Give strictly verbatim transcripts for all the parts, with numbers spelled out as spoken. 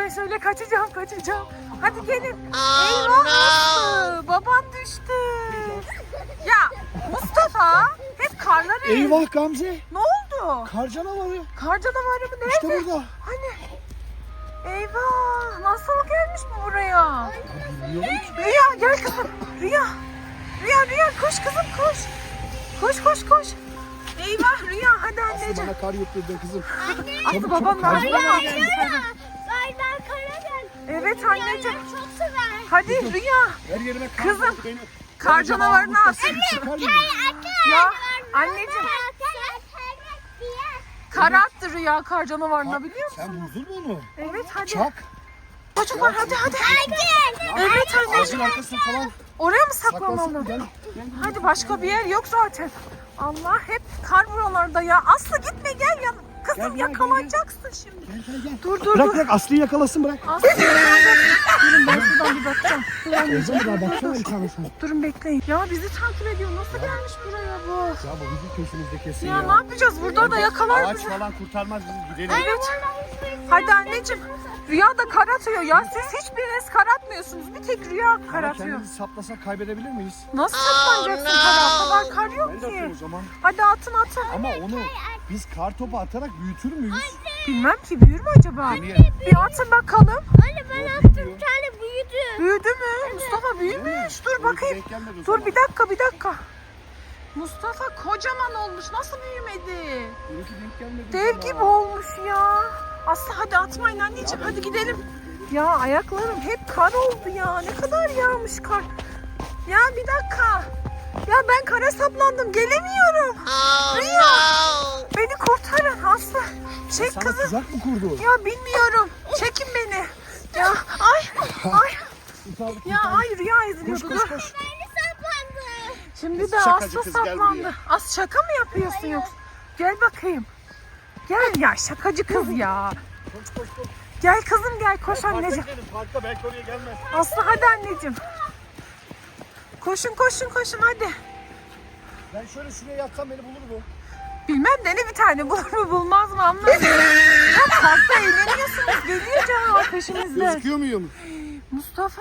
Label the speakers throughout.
Speaker 1: söyle söyle, kaçacağım kaçacağım. Hadi gelin. Eyvah Aslı, babam düştü. Ya Mustafa, hep karlar ev.
Speaker 2: Eyvah Gamze.
Speaker 1: Ne oldu?
Speaker 2: Kar canavarı.
Speaker 1: Kar canavarı mı, nerede?
Speaker 2: İşte burada.
Speaker 1: Hani? Eyvah, nasıl gelmiş bu buraya?
Speaker 2: Bilmiyorum ki.
Speaker 1: Rüya gel kızım. Rüya. Rüya Rüya koş kızım koş. Koş koş koş. Eyvah Rüya, hadi
Speaker 2: Aslı
Speaker 1: anneciğim.
Speaker 2: bana kar yutturdu kızım.
Speaker 1: Aslı
Speaker 2: Çabuk,
Speaker 1: babam
Speaker 2: çabuk, kar
Speaker 1: nerede?
Speaker 2: canavarı.
Speaker 3: Aydan kara gel.
Speaker 1: Evet anneciğim.
Speaker 3: Çok sever.
Speaker 1: Hadi Rüya.
Speaker 2: Her yerime kar
Speaker 1: Kızım,
Speaker 2: vurdu beni.
Speaker 1: kar
Speaker 2: Ben
Speaker 1: canavarını
Speaker 2: canavarı
Speaker 1: al.
Speaker 2: mutlasın, çıkar mıyım?
Speaker 1: Ya anneciğim, kar attı Rüya kar canavarına, biliyor musun?
Speaker 2: Sen buldun mu onu?
Speaker 1: Evet hadi.
Speaker 2: Çak.
Speaker 1: Çocuklar hadi hadi. Evet
Speaker 2: Ağacın
Speaker 1: anneciğim.
Speaker 2: arkasına falan
Speaker 1: Oraya mı
Speaker 2: saklansın.
Speaker 1: saklanalım?
Speaker 2: Gel. Gel.
Speaker 1: Hadi, başka bir yer yok zaten. Allah, hep kar buralarda ya. Aslı gitme, gel ya. Kızım
Speaker 2: Gel, gel,
Speaker 1: yakalanacaksın şimdi.
Speaker 2: Gel gel gel.
Speaker 1: Dur dur
Speaker 2: Bırak
Speaker 1: dur.
Speaker 2: bırak Aslı'yı yakalasın bırak.
Speaker 1: Aslı durun, ben şuradan bir bakacağım. Dur
Speaker 2: O
Speaker 1: anneciğim.
Speaker 2: zaman daha baksana bir tane sen.
Speaker 1: Durun bekleyin. Ya bizi takip ediyor. Nasıl gelmiş buraya bu?
Speaker 2: Ya bu bizim peşimizde kesin
Speaker 1: Ya
Speaker 2: ya.
Speaker 1: ne yapacağız? Burada da yakalar
Speaker 2: Ağaç
Speaker 1: bizi.
Speaker 2: falan kurtarmaz bizi, gidelim.
Speaker 1: Evet. Hadi anneciğim. Rüya da kar atıyor ya. Siz hiçbiriniz kar atmıyorsunuz. Bir tek Rüya kar
Speaker 2: Ama
Speaker 1: atıyor.
Speaker 2: kendimizi saplasak kaybedebilir miyiz?
Speaker 1: Nasıl saklanacaksın kara? O kadar kar yok
Speaker 2: Ben de atıyorum o
Speaker 1: ki.
Speaker 2: zaman.
Speaker 1: Hadi atın atın.
Speaker 2: Ama onu biz kar topu atarak büyütür müyüz?
Speaker 1: Bilmem ki, büyür mü acaba?
Speaker 2: Deneyelim.
Speaker 1: Bir atın bakalım.
Speaker 3: Anne ben attım bir tane büyüdü.
Speaker 1: Büyüdü mü? Mustafa büyümüş. Dur bakayım.
Speaker 2: Denk gelmedi o
Speaker 1: Dur
Speaker 2: zaman.
Speaker 1: bir dakika bir dakika. Mustafa kocaman olmuş. Nasıl büyümedi?
Speaker 2: Benimki denk gelmedi
Speaker 1: Dev
Speaker 2: sana.
Speaker 1: gibi olmuş ya. Aslı hadi atmayın anneciğim, hadi gidelim. Ya ayaklarım hep kar oldu ya. Ne kadar yağmış kar. Ya bir dakika. Ya ben kara saplandım, gelemiyorum. Rüya. Beni kurtarın Aslı. Çek
Speaker 2: Sana
Speaker 1: kızı.
Speaker 2: tuzak mı kurdu?
Speaker 1: Ya bilmiyorum. Çekin beni. Ya ay ay.
Speaker 2: Kurtardık,
Speaker 1: Ya
Speaker 2: kurtardık.
Speaker 1: ay Rüya
Speaker 2: Koş
Speaker 1: izliyordu.
Speaker 2: koş
Speaker 1: Dur.
Speaker 2: koş.
Speaker 1: Şimdi
Speaker 2: Kız
Speaker 1: de
Speaker 2: şakacı
Speaker 1: Aslı
Speaker 2: kız, gel
Speaker 1: saplandı.
Speaker 2: buraya.
Speaker 1: As şaka mı yapıyorsun yoksa? Gel bakayım. Gel ya, şakacı kız ya.
Speaker 2: Koş koş koş.
Speaker 1: Gel kızım gel, koş anneciğim.
Speaker 2: Parka gidelim, parka, belki oraya gelmez.
Speaker 1: Aslı hadi anneciğim. Koşun koşun koşun hadi.
Speaker 2: Ben şöyle şuraya yatsam beni bulur mu?
Speaker 1: Bilmem, dene bir tane, bulur mu bulmaz mı anlamadım. Ya parkta eğleniyorsunuz, geliyor canavar peşimizde.
Speaker 2: Gözüküyor muyum?
Speaker 1: Mustafa.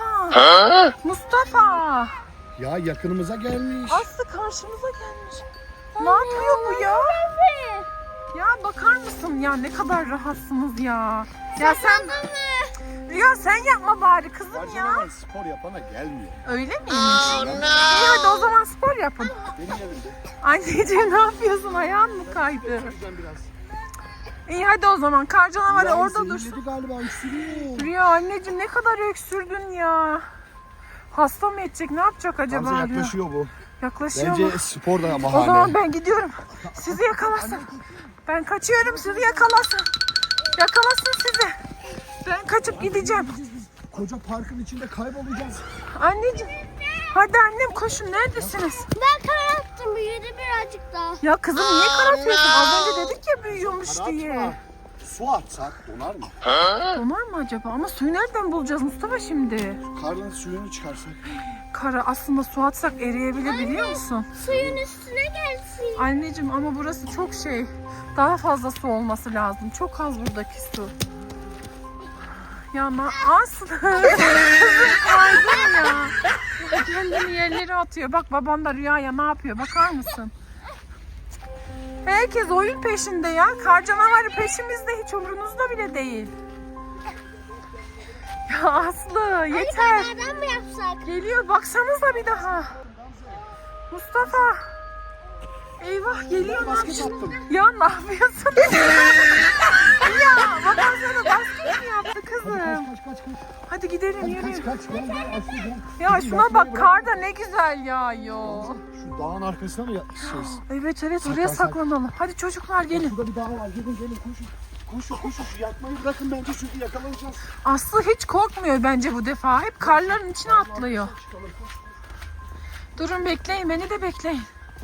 Speaker 1: Mustafa.
Speaker 2: Ya yakınımıza gelmiş.
Speaker 1: Aslı karşımıza gelmiş. Ne yapıyor bu ya? Ya bakar mısın ya, ne kadar rahatsınız ya. Ya sen Rüya sen yapma bari kızım ya.
Speaker 2: Canavar spor yapana gelmiyor.
Speaker 1: Öyle miymiş? İyi hadi o zaman spor yapın.
Speaker 2: Deneyelim de.
Speaker 1: Anneciğim ne yapıyorsun? Ayağın mı kaydı?
Speaker 2: Şuradan biraz.
Speaker 1: İyi hadi o zaman, kar canavarı
Speaker 2: Ya
Speaker 1: orada
Speaker 2: zehirledi
Speaker 1: dursun.
Speaker 2: galiba, üstünüyor.
Speaker 1: Rüya anneciğim ne kadar öksürdün ya. Hasta mı edecek, ne yapacak acaba?
Speaker 2: Gamze
Speaker 1: Rüya?
Speaker 2: yaklaşıyor bu.
Speaker 1: Yaklaşıyor mu?
Speaker 2: Bence spor da
Speaker 1: O
Speaker 2: bahane.
Speaker 1: zaman ben gidiyorum. Sizi yakalasın. Ben kaçıyorum, sizi yakalasın. Yakalasın sizi. Ben kaçıp gideceğim.
Speaker 2: Koca parkın içinde kaybolacağız.
Speaker 1: Anneciğim. Hadi annem koşun, neredesiniz?
Speaker 3: Ben kara attım büyüdü birazcık daha.
Speaker 1: Ya kızım niye kar atıyorsun? Az önce dedik ya büyüyormuş
Speaker 2: Kara
Speaker 1: diye.
Speaker 2: atma. Su atsak donar mı?
Speaker 1: Donar mı acaba? Ama suyu nereden bulacağız Mustafa şimdi?
Speaker 2: Karnın suyunu çıkarsak.
Speaker 1: Kara aslında su atsak eriyebilir, biliyor musun?
Speaker 3: Suyun üstüne gelsin.
Speaker 1: Anneciğim ama burası çok şey. Daha fazla su olması lazım. Çok az buradaki su. Ya na Aslı. Kızım kaydın ya. Kendini yerlere atıyor. Bak baban da Rüya'ya ne yapıyor? Bakar mısın? Herkes oyun peşinde ya. Kar canavarı peşimizde, hiç umrunuzda bile değil. Ya Aslı yeter.
Speaker 3: Nereden mı yapsak?
Speaker 1: Geliyor, baksanıza bir daha. Mustafa. Eyvah geliyor, ne
Speaker 2: Basket
Speaker 1: yapıyorsun?
Speaker 2: attım.
Speaker 1: Ya ne yapıyorsun? Ya baban sana basket mi yaptı kızım?
Speaker 2: Kaç kaç kaç.
Speaker 1: Hadi gidelim,
Speaker 2: Hadi
Speaker 1: yürüyün.
Speaker 2: kaç kaç. Gel gel Aslı gel.
Speaker 1: Ya
Speaker 2: Kızım,
Speaker 1: şuna
Speaker 2: yatmayı
Speaker 1: bak,
Speaker 2: bırak.
Speaker 1: kar da ne güzel yağıyor.
Speaker 2: Şu dağın arkasına mı yatmışız?
Speaker 1: Evet evet,
Speaker 2: Saklan,
Speaker 1: oraya
Speaker 2: saklan.
Speaker 1: saklanalım. Hadi çocuklar gelin.
Speaker 2: Şurada bir dağ var. Gelin gelin koşun. Koşun koşun, şu yatmayı bırakın, bence çünkü yakalanacağız.
Speaker 1: Aslı hiç korkmuyor bence bu defa. Hep karların içine atlıyor.
Speaker 2: Çıkalım, koş.
Speaker 1: Durun bekleyin, beni de bekleyin.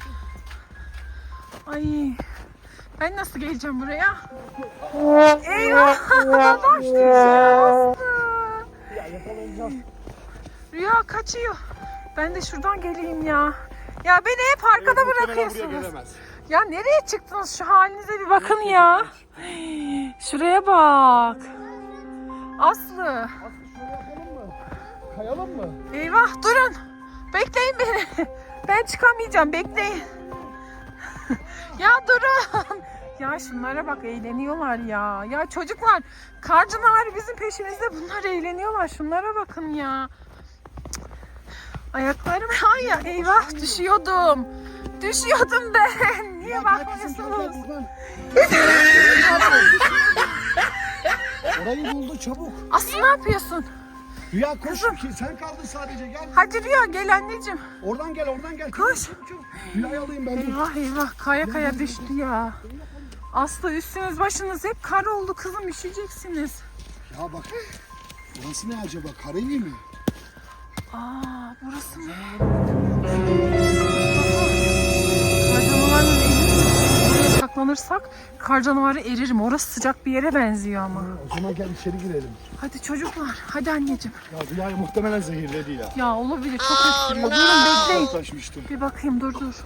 Speaker 1: Ay, ben nasıl geleceğim buraya? Eyvah! Babam düşüyor.
Speaker 2: Ya yakalanacağız.
Speaker 1: Rüya kaçıyor. Ben de şuradan geleyim ya. Ya beni hep arkada
Speaker 2: Evet, muhtemelen buraya
Speaker 1: bırakıyorsunuz.
Speaker 2: gelemez.
Speaker 1: Ya nereye çıktınız? Şu halinize bir bakın ya. Şuraya bak. Aslı.
Speaker 2: Aslı şöyle yapalım mı? Kayalım mı?
Speaker 1: Eyvah durun. Bekleyin beni. Ben çıkamayacağım bekleyin. Ya durun. Ya şunlara bak eğleniyorlar ya. Ya çocuklar kar canavarı bizim peşimizde, bunlar eğleniyorlar. Şunlara bakın ya. Ayaklarım ay ya, eyvah düşüyordum. Düşüyordum ben. Niye
Speaker 2: Ya gel kızım, gel,
Speaker 1: bakmıyorsunuz?
Speaker 2: gel buradan. Orayı buldu çabuk.
Speaker 1: Aslı ne yapıyorsun?
Speaker 2: Rüya koş ki sen kaldın sadece gel.
Speaker 1: Hadi Rüya gel anneciğim.
Speaker 2: Oradan gel oradan gel.
Speaker 1: Koş.
Speaker 2: Çabuk, çabuk. Rüyayı alayım ben. dur.
Speaker 1: Eyvah eyvah kaya kaya düştü ya. Aslı üstünüz başınız hep kar oldu kızım, üşüyeceksiniz.
Speaker 2: Ya bak. Burası ne acaba? Karevi mi?
Speaker 1: Aa burası mı? Kar canavarının evi. Buraya saklanırsak kar canavarı eririm. Orası sıcak bir yere benziyor ama.
Speaker 2: O zaman gel içeri girelim.
Speaker 1: Hadi çocuklar hadi anneciğim.
Speaker 2: Ya Rüyayı muhtemelen zehirledi ya.
Speaker 1: Ya olabilir, çok öksürüyor. Durun bekleyin.
Speaker 2: Taşmıştım.
Speaker 1: Bir bakayım dur dur.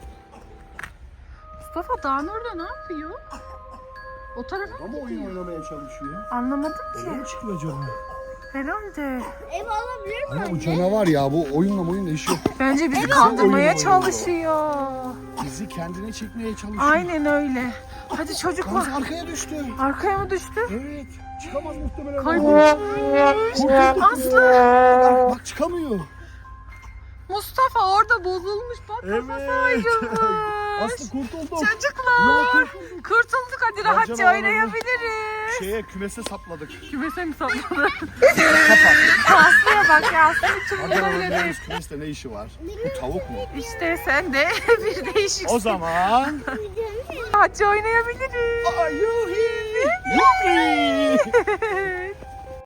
Speaker 1: Mustafa dağın orada ne yapıyor? O tarafa mı
Speaker 2: Ama oyun
Speaker 1: gidiyor?
Speaker 2: oynamaya çalışıyor.
Speaker 1: Anlamadım
Speaker 2: Nereye
Speaker 1: ki.
Speaker 2: çıkıyor acaba?
Speaker 1: Herhalde.
Speaker 3: Ev alabilir mi
Speaker 2: Ama bu
Speaker 3: anne?
Speaker 2: canavar ya, bu oyunla oyunla işi yok.
Speaker 1: Bence bizi
Speaker 2: oyun
Speaker 1: kandırmaya
Speaker 2: oynuyor.
Speaker 1: çalışıyor.
Speaker 2: Bizi kendine çekmeye çalışıyor.
Speaker 1: Aynen öyle. Hadi çocuklar.
Speaker 2: Kız arkaya düştü.
Speaker 1: Arkaya mı düştü?
Speaker 2: Evet. Çıkamaz muhtemelen.
Speaker 1: Kaybolmuş.
Speaker 2: Kurtulduk.
Speaker 1: Aslı.
Speaker 2: Bak, bak çıkamıyor.
Speaker 1: Mustafa orada bozulmuş. Bak kafası ayrılmış.
Speaker 2: Aslı kurtulduk.
Speaker 1: Çocuklar.
Speaker 2: Ya, kurtulduk.
Speaker 1: Kurtulduk, hadi rahatça
Speaker 2: canavarı-
Speaker 1: oynayabiliriz.
Speaker 2: Şeye kümese sapladık.
Speaker 1: Kümese mi sapladı?
Speaker 2: Kapat.
Speaker 1: Aslı'ya bak ya. Aslı hiç
Speaker 2: Hadi
Speaker 1: umurunda bile değil.
Speaker 2: oynayalım. Kümeste ne işi var? Bu tavuk mu?
Speaker 1: İşte sen de bir değişiksin.
Speaker 2: O zaman...
Speaker 1: Rahatça oynayabiliriz.
Speaker 2: Ayuhi! Yupi!